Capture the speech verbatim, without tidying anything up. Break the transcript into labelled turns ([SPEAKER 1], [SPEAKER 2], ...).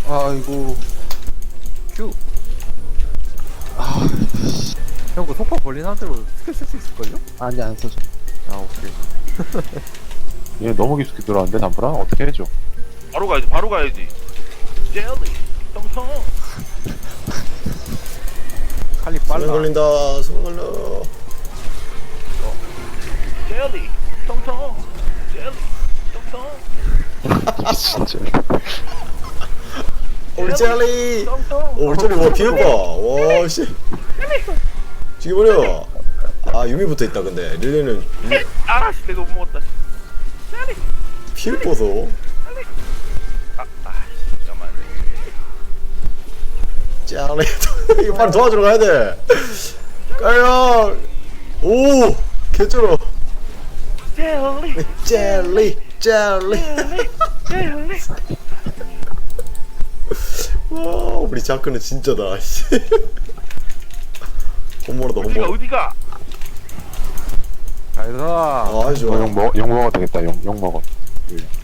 [SPEAKER 1] 아이고.
[SPEAKER 2] 큐. 아, 형, 그 속파 벌린 상태로 스킬 쓸 수 있을걸요?
[SPEAKER 1] 아니, 안 써줘.
[SPEAKER 2] 아, 오케이.
[SPEAKER 3] 얘 너무 깊숙이 들어왔는데 담프라 어떻게 해줘?
[SPEAKER 4] 바로 가야지 바로 가야지. 젤리 텅텅.
[SPEAKER 2] 칼리
[SPEAKER 5] 수면
[SPEAKER 2] 빨라.
[SPEAKER 5] 걸린다. 수면 걸려.
[SPEAKER 4] 젤리 텅텅. 젤리 텅텅.
[SPEAKER 3] 진짜.
[SPEAKER 5] 우리 젤리.
[SPEAKER 4] 텅텅.
[SPEAKER 5] 오, 우리 젤리 와 비해봐. 와 씨. 죽여버려. 아 유미 붙어 있다 근데 릴리는
[SPEAKER 4] 아씨 내가 못 먹었다. 젤리.
[SPEAKER 5] 피를 뻗어.
[SPEAKER 4] 아, 아, 잠깐만.
[SPEAKER 5] 젤리. 이거 빨리 도와주러 가야 돼. 가요. 오 개쩔어.
[SPEAKER 4] 젤리.
[SPEAKER 5] 젤리 젤리.
[SPEAKER 4] 젤리.
[SPEAKER 5] 와 우리 자크는 진짜다. 씨. 홈모로다
[SPEAKER 4] 어디가
[SPEAKER 5] 홈모로.
[SPEAKER 4] 어디가?
[SPEAKER 2] 잘 들어.
[SPEAKER 5] 아 아주 좋아.
[SPEAKER 3] 어, 욕 먹, 욕 먹어도 되겠다. 욕, 욕 먹어.